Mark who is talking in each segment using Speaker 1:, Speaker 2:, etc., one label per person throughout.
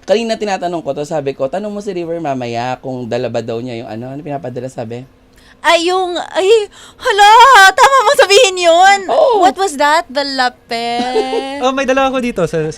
Speaker 1: kanina tinatanong ko to, sabi ko, tanong mo si River mamaya kung dala ba daw niya yung ano pinapadala, sabi?
Speaker 2: Hala, tama mo sabihin yun.
Speaker 1: Oh.
Speaker 2: What was that? The lapel?
Speaker 3: Oh, may dala ako dito sa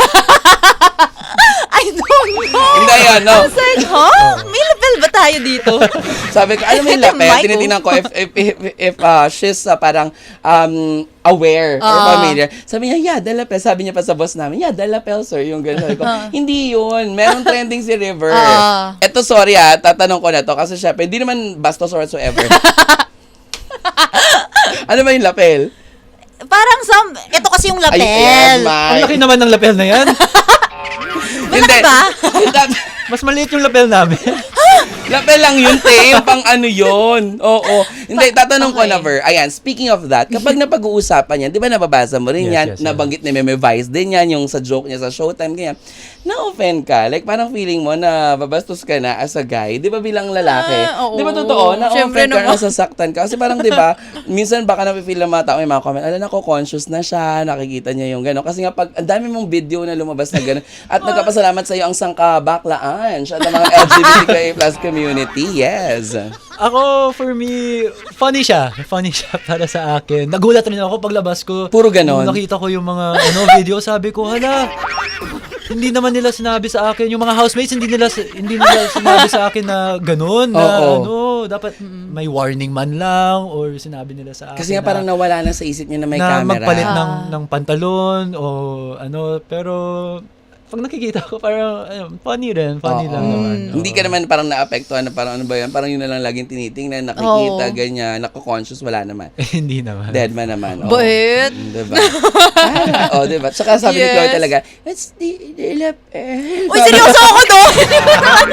Speaker 2: I don't know.
Speaker 1: Hindi yan, no.
Speaker 2: I was like, may lapel ba tayo dito?
Speaker 1: Sabi ko, alam mo yung lapel,
Speaker 2: Michael.
Speaker 1: tinitingnan ko if she's parang aware or familiar. Sabi niya, yeah, the lapel. Sabi niya pa sa boss namin, yeah, the lapel, sir. Yung gano'n. Sabi ko, hindi yun. Meron trending si River. Eto, sorry tatanong ko na to kasi syempre, hindi naman bastos or whatsoever. Ano ba yung lapel?
Speaker 2: Parang ito kasi yung lapel.
Speaker 1: Ay,
Speaker 3: Ang laki naman ng lapel na yan.
Speaker 1: Hindi.
Speaker 2: ba?
Speaker 3: Mas maliit yung lapel namin.
Speaker 1: Lapel lang yun, te. Yung pang ano yun. Oo. Hindi, tatanong ko na, Ver. Ayan, speaking of that, kapag napag-uusapan yan, di ba nababasa mo rin yan?
Speaker 3: Yes,
Speaker 1: Nabanggit ni Meme Vice din yan, yung sa joke niya sa Showtime, ganyan. Na-offend ka? Like, parang feeling mo na babastos ka na as a guy. Di ba bilang lalaki?
Speaker 2: Oo.
Speaker 1: Di ba totoo?
Speaker 2: Siyempre
Speaker 1: Na-offend ka,
Speaker 2: naman.
Speaker 1: nasasaktan ka. Kasi parang, di ba, minsan baka napipil ng mga tao, may mga comment, alam, conscious na siya, nakikita niya yung gano'n. Kasi nga, pag ang dami mong video na lumabas na gano'n, at nagkapasalamat sa iyo ang sangkabaklaan siya ng mga LGBTQIA plus community. Yes.
Speaker 3: Ako, for me, funny siya. Funny siya para sa akin. Nagulat rin ako paglabas ko.
Speaker 1: Puro ganon.
Speaker 3: Nung nakita ko yung mga video, sabi ko, hala, hindi naman nila sinabi sa akin, yung mga housemates, hindi nila sinabi sa akin na ganun, na dapat may warning man lang, or sinabi nila sa akin
Speaker 1: Kasi nga parang nawala na sa isip niya na may camera.
Speaker 3: magpalit ng pantalon, o pero pag nakikita ko, parang funny lang naman.
Speaker 1: Hindi ka naman parang naapektuhan na parang ano ba yan? Parang yun na lang laging tinitingnan, nakikita, ganyan, nako-conscious, wala naman.
Speaker 3: Hindi naman.
Speaker 1: Dead man naman.
Speaker 2: But?
Speaker 1: Diba? Diba? Tsaka sabi ni Chloe talaga, it's the lapel.
Speaker 2: Uy, seryoso ako doon.